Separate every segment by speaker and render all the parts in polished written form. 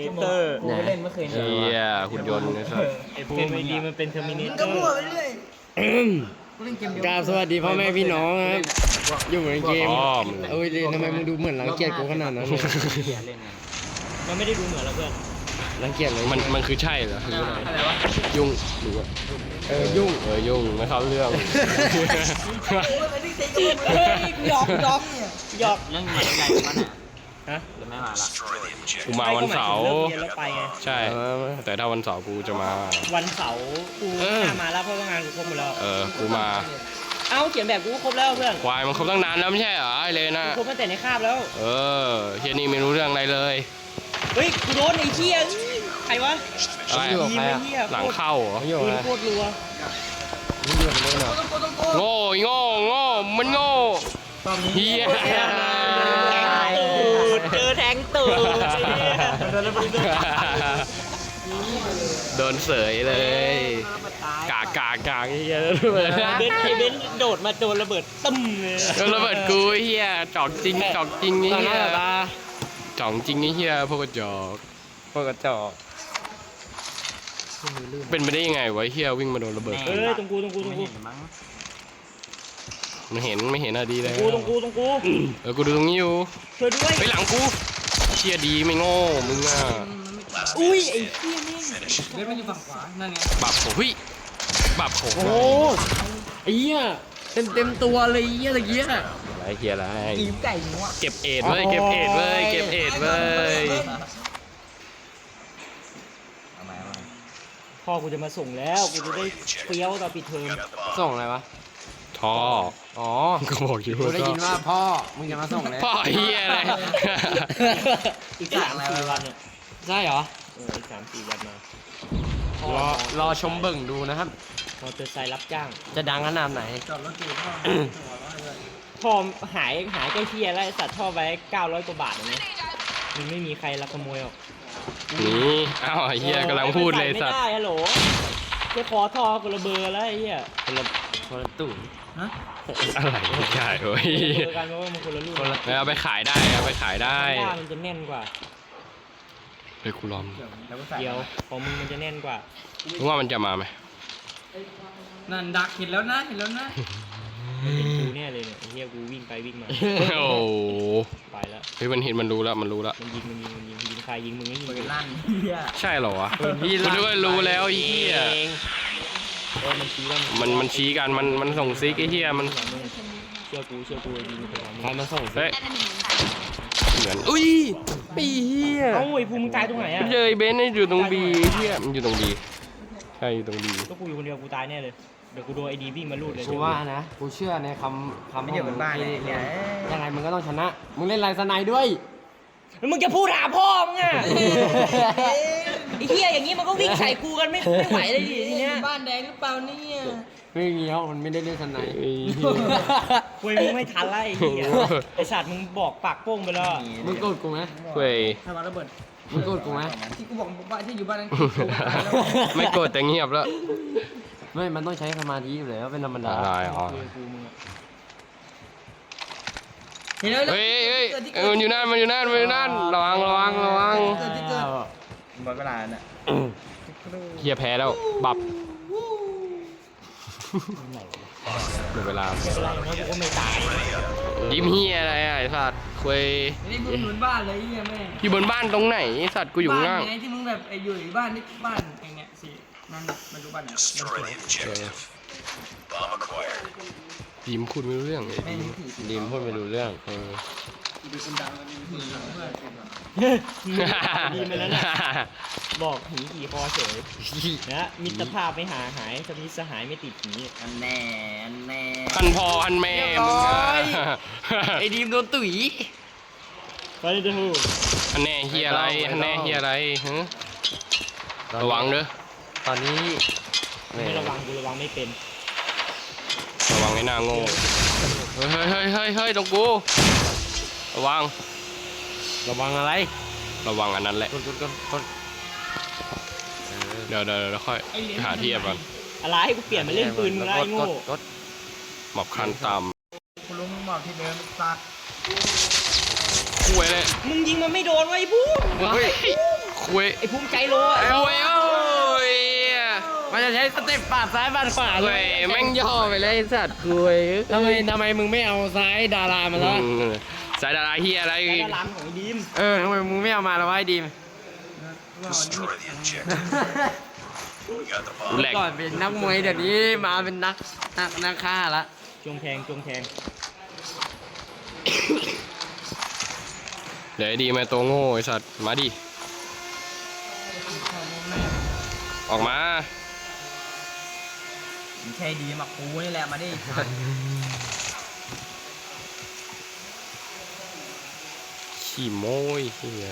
Speaker 1: เตอร์
Speaker 2: กูเล่นเมื่อคืน
Speaker 3: เฮียหุ่นยนต์นะครับ
Speaker 1: ไอ้ภูมิดีมันเป็นเทอร์มินเต
Speaker 2: ก็
Speaker 1: อร์
Speaker 2: มั่วไปเรื่อยกูเล่นเกมเดียว
Speaker 4: กราบสวัสดีพ่อแม่พี่น้องครับอยู่ในเกมเอ้ยทำไมมึงดูเหมือนรังเกียจกูขนาดนั้น
Speaker 1: มันไม่ได้ดูเหมือนเราเพื่อน
Speaker 4: รังเกียจเลย
Speaker 3: มันคือใช่เหรอคืออะไร
Speaker 2: อะไรวะ
Speaker 3: ยุ่งหรือว่า
Speaker 4: ยุ่ง
Speaker 3: ยุ่งไม่เข้าเรื่อง
Speaker 2: หยอกเนี่ย
Speaker 1: หยอก
Speaker 2: เรื่องใหญ่ใหญ่มันอ่ะ
Speaker 1: ฮะ
Speaker 2: จะไม่มาละ
Speaker 3: กูมาวันเสาร์
Speaker 1: เลิกเรียนแล้วไปไง
Speaker 3: ใช่ แต่ถ้าวันเสาร์กูจะมา
Speaker 1: วันเสาร์กูไม่น่ามาแล้วเพราะว่างานกูครบหมดแล้ว
Speaker 3: กูมา
Speaker 1: เอ้าเขียนแบบกูก็ครบแล้วเพื่อน
Speaker 3: ควายมันครบตั้งนานแล้วไม่ใช่เหรอไอเลน่ะ
Speaker 1: กูครบตั้งแต่ในคาบแล้ว
Speaker 3: เฮียนี่ไม่รู้เรื่องอะไรเลย
Speaker 1: เฮ้ยกูโดนไอ้เชี่ยใครวะ
Speaker 3: อะไร
Speaker 1: ยิงไอ้เหี้ย
Speaker 3: หลังเข้าเหรอ
Speaker 4: ไม่อยู่
Speaker 1: ปืน
Speaker 4: นะ
Speaker 1: โคตรรัว
Speaker 4: ไม่อยู่เลยเนาะ
Speaker 3: โง่มันโง่เฮีย
Speaker 1: เจอแทงตูดไอ้เหี้ย
Speaker 3: โดนเสยเลยกากเฮีย
Speaker 1: ไอ้เบนโดดมาโดนระเบิดตึ้มเลย
Speaker 3: โดนระเบิดกูเฮียจอกจริงไอ้
Speaker 4: ตอน
Speaker 3: เฮี
Speaker 4: นั้น
Speaker 3: ย
Speaker 4: เหรอตา
Speaker 3: จ่องจริงไอ้เฮียพวกกระจอก
Speaker 4: พวกกระจอก
Speaker 3: เป็นไปได้ยังไงวะเฮียวิ่งมาโดนระเบิด
Speaker 1: เอ้ยตรงกู
Speaker 3: ไม่เห็นอะดีเลย
Speaker 1: ตรงกู
Speaker 3: กูดูตรงนี้อยู่
Speaker 1: ช่วยด้วย
Speaker 3: ไปหลังกูเชียดีไม่โง่มึงอ่ะ
Speaker 1: อุ้ยไอ้เหี้ยแม่ง
Speaker 2: เบสมันอยู่ฝั่งขวานั่นไง
Speaker 3: บับโหบับโห
Speaker 4: โอ้ไอ้เหี้ยเต็มตัวเลยเหี้ยตะเกียบ
Speaker 3: อะไรเฮียอะไร
Speaker 2: กีมไก่งัว
Speaker 3: เก็บเอ็ดเว้ยเก็บเอ็ดเว้ย
Speaker 2: เอามา
Speaker 1: พ่อกูจะมาส่งแล้วกูจะได้เฟี้ยวตอนปิดเทอม
Speaker 4: ส่งอะไรวะ
Speaker 3: ท่อ
Speaker 4: อ๋อ
Speaker 3: ก็บอกอยู่
Speaker 4: กูได้ยินว่าพ่อมึงจะมาส่งแล้ว
Speaker 3: พ่อเฮียอะไร
Speaker 1: อีก3-4 วันเนี่ย
Speaker 4: ใช่เหรอ
Speaker 1: อีก3-4 วันมา
Speaker 4: รอชมเบิ่งดูนะครับ
Speaker 1: มอเตอร์ไซค์รับจ้าง
Speaker 4: จะดังขนาดไหน
Speaker 2: จอดรถตีพ่อ
Speaker 1: ท่อหายใกล้เคียแล้วไอ้สัตว์ท่อไว้900 กว่าบาทนะมันไม่มีใครลักขโมยหรอก
Speaker 3: นี่อ้าวเฮียกำลังพูดเลยสัตว์
Speaker 1: ไม่ได้ฮัลโหลแค่ขอท่อคนละเบอร์แล้วไอ้เหี้ย
Speaker 4: คนละตู่
Speaker 2: ฮะ
Speaker 3: อะไรไม่ใช่เว้ย
Speaker 1: เบอร์กันเพราะว่ามันคนละรุ่น
Speaker 3: เอาไปขายได้เอาไปขายได้
Speaker 1: หน้ามันจะแน่นกว่า
Speaker 3: เฮ้ยกูลอง
Speaker 1: เดียวของมึงมันจะแน่นกว่า
Speaker 3: มึงว่ามันจะมาไหม
Speaker 2: นั่นดักเห็นแล้วนะ
Speaker 1: เป็นกูแน่เลยเนี่ยไอ้เหี้ยกูวิ่งไปวิ่งมา
Speaker 3: โอ้โห
Speaker 1: ไปแล้ว
Speaker 3: เฮ้ยมันเห็นมันรู้แล้วมันรู้แล้ว
Speaker 1: มันยิงใครยิงมึงไม่ยิง
Speaker 2: เปิด
Speaker 1: กู
Speaker 2: ลั่นเฮีย
Speaker 3: ใช่เหรอวะกูนึกว่ารู้แล้วไอ้เหี้ย
Speaker 1: มันชี้ว่า
Speaker 3: มันชี้กันมันส่งซิกไอ้เหี้ยมัน
Speaker 1: เชื่อกูยิงไปทาง
Speaker 4: ใครมาส่ง
Speaker 3: เฮ้ยเหมือนอุ้ยปีเหี้ย
Speaker 1: เอ้าไอ้ภูมิมึงตายตรงไหนอ่ะ
Speaker 3: มันเจอไอ้เบนซ์อยู่ตรงบีเหี้ยมันอยู่ตรงบีใช่อยู่ตรงบี
Speaker 1: ก็กูอยู่คนเดียวกูตายแน่เลยเดี๋ยวกูโดนไอ้ดีวิ่งมาลูดเลย
Speaker 4: กูว่านะกูเชื่อในคำ
Speaker 2: ไม่อยู่บนบ้านเลยเนี่ย
Speaker 4: ยังไงมึงก็ต้องชนะมึงเล่นลายสไนด้วย
Speaker 1: แล้วมึงจะพูดหาพ่อมึงอ่ะไอ้เหี้ยอย่างงี้มันก็วิ่งใส่กูกันไม่ไหวเลยดิทีเนี้ย
Speaker 2: บ้านแดงหรือเปล่าเนี่ย
Speaker 4: ไม่เงี้ยวมันไม่ได้เล่นสไน
Speaker 3: ไอ้เหี้ย
Speaker 1: คุยมึงไม่ทันไล่ไอ้เหี้ยไอ้สัตว์มึงบอกปากโป้งไปแล้ว
Speaker 4: มึงโกรธกูไหม
Speaker 3: เว้ย
Speaker 2: ถ้ามาระเบิด
Speaker 4: มึงโกรธกูไหม
Speaker 2: ที่กูบอกว่าที่อยู่บ้านนั้น
Speaker 3: ไม่โกรธแต่เงียบแล้ว
Speaker 4: ไม่มันต้องใช้สมาธิอยู่แล้วเป็นธรรมดา
Speaker 3: อะไรอ๋อ
Speaker 1: คุยกับกูมึงอะ
Speaker 2: เห็นแล้ว
Speaker 3: เฮ้ยมันอยู่นั่นระวัง
Speaker 2: เกิดที่เกิดหมดเวลาน่ะ
Speaker 3: เฮียแพ้แล้วบับหมดเวลา
Speaker 1: ไม่เป็นไรอย่างน้อยกูก็ไม่ตาย
Speaker 3: ยิ้มเฮียอะไรอ่ะไอ้สัตว์คุย
Speaker 2: นี่มึงเหมือนบ้านเลยเฮียแม่
Speaker 3: อยู่บนบ้านตรงไหนไอ้สัตว์กูอยู่ข้างล่าง
Speaker 2: บ้านไงที่มึงแบบอยู่บ้านนี่บ้านอย่างเงี้ยสินั่นมันรู้บ้านไหน
Speaker 3: ยิ้มพูดไม่รู้เรื่อง
Speaker 2: ไม่รู้ผี
Speaker 4: ดีมพูดไม่รู้เรื่อง
Speaker 1: ดีมาแล้วนะบอกผีขี่คอเฉยนะมิตรภาพไม่หายสมิตรสหายไม่ติดผี
Speaker 2: อันแน่อันแน่
Speaker 3: พันพอพันแม่มึงอะ
Speaker 4: ไอ้ดีมโดนตุ๋ย
Speaker 1: ไปเลยเด้อ
Speaker 3: อันแน่เฮียอะไรอันแน่เฮียอะไรฮะระวังเด้อ
Speaker 4: ตอนนี้
Speaker 1: ไม่ระวังกูระวังไม่เป็น
Speaker 3: ระวังไอ้หน้าโง่เฮ้ยตรงกูระวัง
Speaker 4: ระวังอะไร
Speaker 3: ระวังอันนั้นแหละ
Speaker 4: กด
Speaker 3: เดี๋ยวค่อยไปหาที่แอบก่อน
Speaker 1: อะไรกูเปลี่ยนมาเล่นปืนมึงแล้วไอ้โง่
Speaker 4: กด
Speaker 3: หมอบคันตาม
Speaker 2: คุณลุงมึงบอกที่เดิมตัด
Speaker 3: คุยเลย
Speaker 1: มึงยิงมันไม่โดนไว้พูด
Speaker 3: เฮ้ยคคุย
Speaker 1: ไอ้ภูมิใจโล
Speaker 3: ไอ้เว้ยโอ้ย
Speaker 4: มันจะใช้สเต็ปปาดซ้ายปาดขวาเล
Speaker 3: เว้
Speaker 4: ย
Speaker 3: ยแม่งย่อไปเลยไอ้สัตว์คุย
Speaker 4: ทำไมมึงไม่เอาซ้ายดารามาละ
Speaker 3: สายดาราเฮียอะไร
Speaker 1: ไอ้
Speaker 3: อีก
Speaker 1: ดารามของไอ้ดีม
Speaker 4: ทำไมมึงไม่เอามาละวะไอ้ดีม
Speaker 3: กูแหลก
Speaker 4: ก่อนเป็นนักมวยเดี๋ยวนี้มาเป็นนักฆ่าละ
Speaker 1: จงแทงจงแทง
Speaker 3: เดี๋ยวไอ้ดีมาตัวโง่ไอ้สัตว์มาดิออกมา
Speaker 2: ไม่ใช่ดีมากูนี่แหละมาดิ
Speaker 3: ขี้โม้ยเฮีย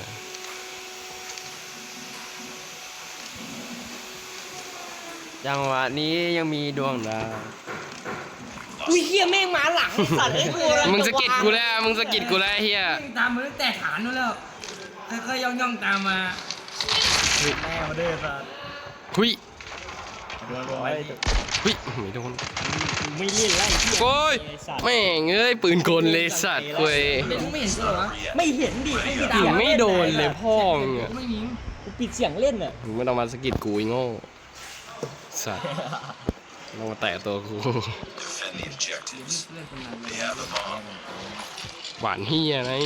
Speaker 4: จังหวะนี้ยังมีดวงดาว
Speaker 1: อุ้ยเฮียแม่งมาหลังไอ้สัตว์ไอ้กู
Speaker 3: มึงสะกิดกูแล้วมึงสะกิดกูแล้วเฮีย
Speaker 2: ตามมาตั้งแต่ฐานนู้นแล้วค่อยๆย่องๆตามมาแม่มาเด้อสัส
Speaker 3: หุย
Speaker 2: ไว้
Speaker 3: หุยไม่โดน
Speaker 1: ไม่เล่นไล่เฮีย
Speaker 3: โอ้ย
Speaker 1: ไอ้สัตว์
Speaker 3: แม่งเอ้ยปืนกลเลยสัตว์คุย
Speaker 2: เด็กมึงไม่เห็นกูเหรอวะ
Speaker 1: ไม่เห็นดิไม่มี
Speaker 3: ยิงไม่โดนเลยพ่อมึงอะ
Speaker 2: กูไม่ยิง
Speaker 1: กูปิดเสียงเล่นอ่ะ
Speaker 3: มึงไม่ต้องมาสะกิดกูไอ้โง่สัตว์ต้องมาแตะตัวกู
Speaker 5: Defend the objectives.
Speaker 2: เล่นคนนั้น
Speaker 5: They have the bomb.
Speaker 3: หวานเฮียไง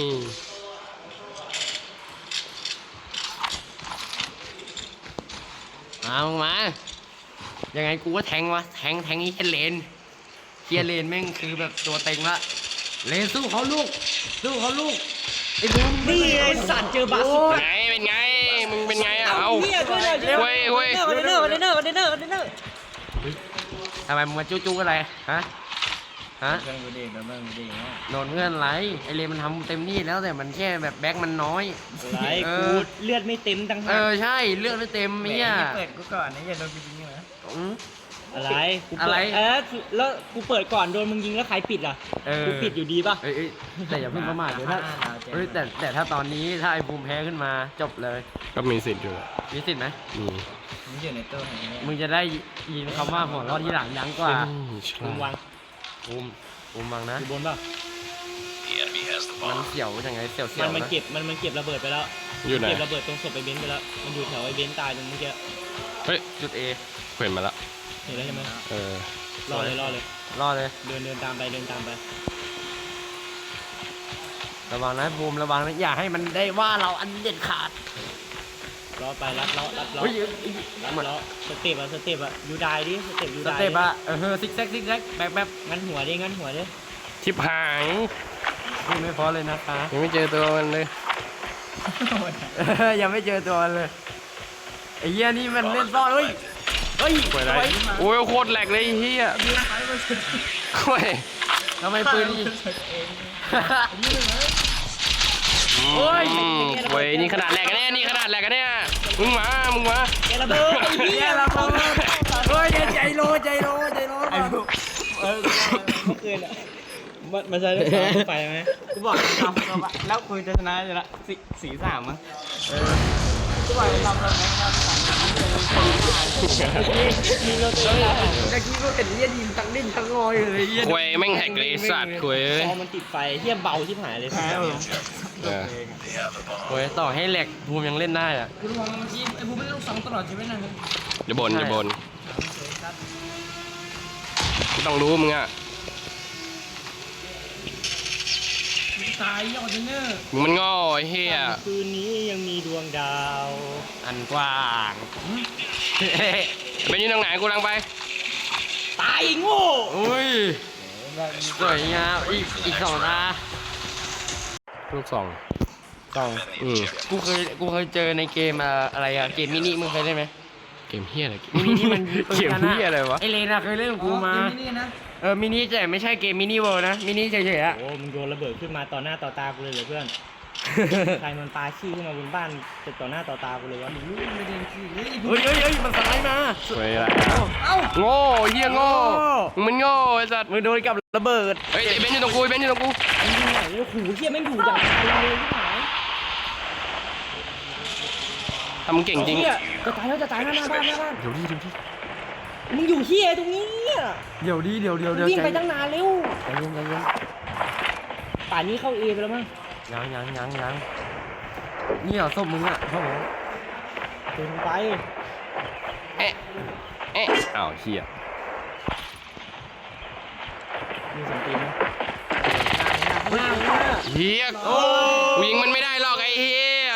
Speaker 4: มึงมายังไงกูก็แทงวะแทงนี้แค่เลนเฮียเลนแม่งคือแบบตัวเต็งละเลนสู้เขาลูกไอ้บูม
Speaker 1: นี่ไอ้สัตว์เจอบาสุ
Speaker 3: ไงเป็นไงมึงเป็นไงอะเอา
Speaker 1: เฮียช่วยหน่อยช่วยหน่อย
Speaker 3: เว้ย
Speaker 1: คอนเทนเนอร์คอนเทนเนอร์คอนเทนเนอร์คอนเทนเนอร์
Speaker 4: ทำไมมึงมาจู้อะไรฮะ
Speaker 2: เพื่อนกูเด็กแล้วเพื่อนกูเด็กเนาะ
Speaker 4: โดนเพื่อนไรไอเลนมันทำเต็มที่แล้วแต่มันแค่แบบแบ็คมันน้อย
Speaker 1: ไรกูเลือดไม่เต็มตั้งหาก
Speaker 4: ใช่เลือดไม่เต็ม
Speaker 2: แหม
Speaker 4: เนี่ย
Speaker 2: เปิดกูก่อนนะอย่าโดนกูยิงนะ
Speaker 4: อืม
Speaker 1: อะไรกูเปิด
Speaker 4: อะไร
Speaker 1: แล้วกูเปิดก่อนโดนมึงยิงแล้วใครปิดล่ะกูปิดอยู่ดีป่ะ
Speaker 4: เอ้ยแต่อย่าเพิ่งประมาทเดี๋ยวถ้าแต่ถ้าตอนนี้ถ้าไอ้ภูมิแพ้ขึ้นมาจบเลย
Speaker 3: ก็มีสิทธิ์อยู่
Speaker 4: มีสิทธิ์ไหม
Speaker 3: มี
Speaker 2: มึงอยู่ในตู้ไหนเนี่ย
Speaker 4: มึงจะได้ยินคำว่าหัวเรอดที่หลังยั้งกว่า
Speaker 3: ฉ
Speaker 1: มึง
Speaker 3: ลาด
Speaker 1: วาง
Speaker 4: ภูมิวังนะ
Speaker 1: อยู่บนป่ะ
Speaker 5: The enemy has the
Speaker 4: มัน
Speaker 5: bomb.
Speaker 4: เสียวยังไงเสียว
Speaker 1: มัน
Speaker 4: นะ
Speaker 1: เก็บมันเก็บระเบิดไปแล้ว
Speaker 3: อยู่ไหน
Speaker 1: เก็บระเบิดตรงศพไอ้เบนซ์ไปแล้วมันอยู่แถวไอ้เบนซ์ตายตรงเมื่อกี้
Speaker 3: เฮ้ย
Speaker 4: จุดเอ
Speaker 3: เห็นมาละ
Speaker 1: เห็นแล้วใช่ไหม
Speaker 3: เออ
Speaker 1: รอเลย
Speaker 4: รอดเลย
Speaker 1: เดินตามไปเดินตามไป
Speaker 4: ระวังนะภูมิระวังนะอย่าให้มันได้ว่าเราอันเด็ดขาด
Speaker 1: รอไปรัดล้อ
Speaker 4: เฮ้ย
Speaker 1: รัดล้อสเต็ปอะยูไดดิสเต็ปยู
Speaker 4: ส
Speaker 1: ได
Speaker 4: เต็ปอะซิกแซกแบบ
Speaker 1: งั้นหัวดิ
Speaker 3: ทิพหาง
Speaker 4: พูดไม่พอเลยนะคะ
Speaker 3: ยังไม่เจอตัวมันเลย
Speaker 4: ยังไม่เจอตัวเลยไอ้เหี้ยนี่มันเล่นซ่อนเฮ้ย
Speaker 3: ป่วยอะไรโอ้ยโคตรแหลกเลยไอ้เฮียโอ้ย
Speaker 4: ทำไมปืนนี่
Speaker 3: โอ้ยเว้ยนี่ขนาดแหลกกันแน่นี่ขนาดแหลกกันเนี่ยมึงมา
Speaker 1: แกระเบิดไอ้เหี้ย
Speaker 4: เราเฮ้ยใจโลไอ้ลูก
Speaker 1: เมื่อคืนอะมันจะได้ไปไหม
Speaker 2: กูบอกทำแล้วคุยจะชนะอยู่ละสีสามมั้งกูบอกทำแล้วแม่งทำ
Speaker 1: มีรถเตอร์
Speaker 4: ตะกี้ก็เห็นเหี้ยดีมทั้งดิ้นทั้งงอยเลยเหี้ย
Speaker 3: คุยแม่งแหกเลยไอ้สัตว์คุย
Speaker 1: พอมันติดไฟเหี้ยเบาชิบหายเลย
Speaker 5: The objectives.
Speaker 3: เออ
Speaker 5: They have the bomb.
Speaker 4: โอ้ยต่อให้แหลกภูมิยังเล่นได้อะ
Speaker 2: กูรู้ว่าเมื่อกี้ไอ้บูไม่ได้ลูกสองตลอดชีวิตนะมึง
Speaker 3: อย่าบ่นอย่าบ่นไม่ต้องรู้มึงอ่ะ
Speaker 2: ตายยอดเนอร์
Speaker 3: มึงมันง่อไอ้เฮีย
Speaker 1: คืนนี้ยังมีดวงดาว
Speaker 4: อันกว้าง
Speaker 3: เป็นอยี่ตรงไหนกูลังไป
Speaker 1: ตายไอ้โง่
Speaker 4: อุ้ยสวยงามอีกสองตา
Speaker 3: ลูกสอง
Speaker 5: Defend the objectives.
Speaker 4: กูเคยเจอในเกมอะไรอะเกมมินิมึงเคยเล่นไหม
Speaker 3: เกมเฮียอะไร
Speaker 4: มินิที่มัน
Speaker 3: เกมเฮียอะไรวะ
Speaker 4: ไอเลนอะเคยเล่นกับกูมา
Speaker 2: นี่นะ
Speaker 4: มินิแต่ไม่ใช่เกมมินิเวิลด์นะมินิเฉยๆอะ
Speaker 1: โอ้มึงโยนระเบิดขึ้นมาต่อหน้าต่อตากูเลยเหรอเพื่อนใครมันปาขี้ขึ้นมาบนบ้านจะต่อหน้าต่อตากูเลยวะ
Speaker 2: ไม่ได้ขี้เฮ้ย
Speaker 4: เฮ้ยมันสไลด์มา
Speaker 3: คุยอะไร
Speaker 2: เอ้า
Speaker 3: โง่เฮียโง่มึงมันโง่ไอ้สัตว์
Speaker 4: มึงโดนกับระเบิด
Speaker 3: เฮ้ยไอ้เบนซ์อยู่ตรงกูไอ้เบนซ์อยู่ตรงกู
Speaker 1: ไอ้ที่ไหนโอ้โหเหี้ยแม่งอยู่อย่างไกลเลยที่ไหน
Speaker 3: ทำมึงเก่งจริง
Speaker 1: เหี้ยจะตายแล้วหน้าบ้าน
Speaker 3: เดี๋ยวดิ
Speaker 1: มึงอยู่เหี้ยตรงนี้อะ
Speaker 4: เดี๋ยว
Speaker 1: วิ่งไปตั้งนานเร็ว
Speaker 4: ใจเย็น
Speaker 1: ป่านนี้เข้าเอไปแล้วมั้ง
Speaker 4: ยังนี่เหรอศพมึงอะครับผม
Speaker 1: ปืนไป
Speaker 3: เอ๊ะเอ๊ะอ้าวเฮีย
Speaker 1: มีเสียงปืนไหม
Speaker 3: เฮียกูยิงมันไม่ได้หรอกไอ้เฮีย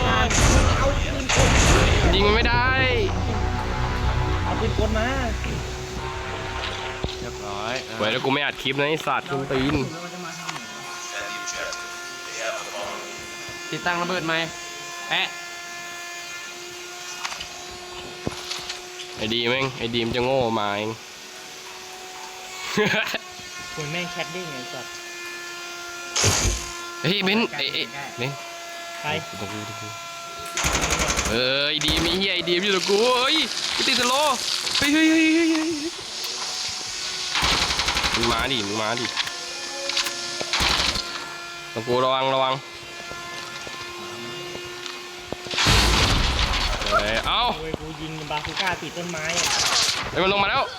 Speaker 3: ยิงมันไม่ได้
Speaker 1: เอาปืนกลมา
Speaker 4: เรียบร้อย
Speaker 3: ไว้แล้วกูไม่อัดคลิปนะไอ้สัตว์คุณตีน
Speaker 5: At the objective. They have the bomb.
Speaker 4: ติดตั้งระเบิดไหมแปะ
Speaker 3: ไอ้ดีมเองไอ้ดีมจะโง่มาเอง
Speaker 1: คุณแม่งแคทได้ไงสัตว์
Speaker 3: เฮ้ยเบนเอ้ยเบน
Speaker 1: ใคร
Speaker 3: ตรงกูเอ้ยดีมีเฮียไอ้ดีมอยู่ตรงกูเฮ้ยกูติดสโลว์เฮ้ยมึงมาดิตรงกูระวังเอ้า
Speaker 1: โอ้ยกูยิงบาซูก้าติดต้นไม้อะ
Speaker 3: เฮ้ยมันลงมาแล้ว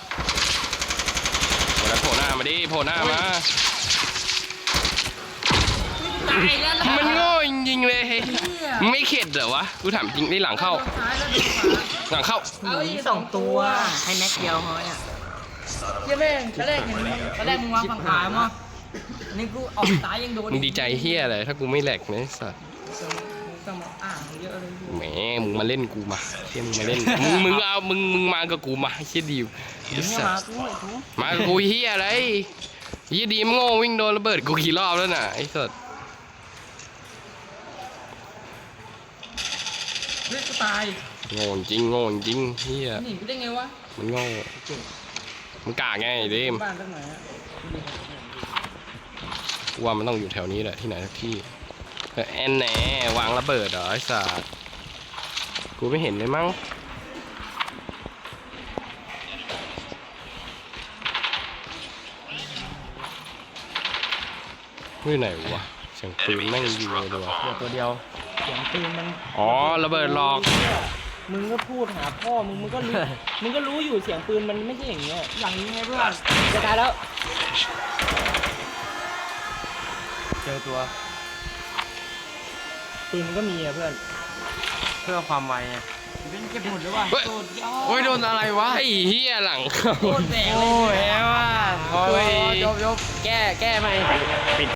Speaker 3: โผล่หน้ามาดิโผล่หน้ามา
Speaker 4: ตายแล้ว
Speaker 3: มันโง่จริงๆเลยมึงไม่เข็ดเหรอวะกูถามจริงได้หลังเข้า หลังเข้า
Speaker 2: เอาอีก2 ตัวให้แม็กเดียวพอเนี่ย
Speaker 1: เหี้ยแม่งตอนแรกเห็น
Speaker 2: ตอนแรกมึงวางฝั่งขวามั้งนี่กูออกซ้ายยังโดน
Speaker 3: มึงดีใจเฮียอะไรถ้ากูไม่แหลกนะไอ้สัส
Speaker 2: ต้องมาอ่านเยอะเลย
Speaker 3: แหมมึงมาเล่นกูมาเฮียมึงมาเล่นมึงเอามึงมากับกูมาเฮียดิวไอ้สัสมากับกูเฮียอะไรเฮียดีมโง่วิ่งโดนระเบิดกูกี่รอบแล้วน่ะไอ้สัส
Speaker 2: เฮ้ยกูตาย
Speaker 3: โง่จริงเฮีย
Speaker 2: หนีกูได้ไงวะ
Speaker 3: มันโง่มันกากไงไอ้ดีม
Speaker 2: บ้านตั้งไหนอะ
Speaker 3: กูว่ามันต้องอยู่แถวนี้แหละที่ไหนสักที่แอนแหนวางระเบิดเหรอไอ้สัสกูไม่เห็นเลยมั้งอยู่ไหนวะเสียงปืนแม่งยิงเลยว่ะ
Speaker 1: ตัวเดียวเสียงปืนมัน
Speaker 3: อ๋อระเบิดหลอก
Speaker 1: มึงก็พูดหาพ่อมึงก็รู้ มึงก็รู้อยู่เสียงปืนมันไม่ใช่อย่างเงี้ย
Speaker 2: หลังนี้ไงเพื่อน
Speaker 1: จะตายแล้ว
Speaker 4: เจอตัว
Speaker 1: ปืนมันก็มีอะเพื่อน
Speaker 4: เพื่อความไวไง
Speaker 2: เป็นเก็บหมดเลยว่ะ
Speaker 3: เฮ้ย
Speaker 2: สุดยอด
Speaker 4: โอ้ยโดนอะไรวะ
Speaker 3: ไอ้เหี้ยหลังเข้า
Speaker 2: โคตรแบกเลย
Speaker 4: โอ้ยแหวว่ะโอ้ยจบ
Speaker 1: แก้ไหม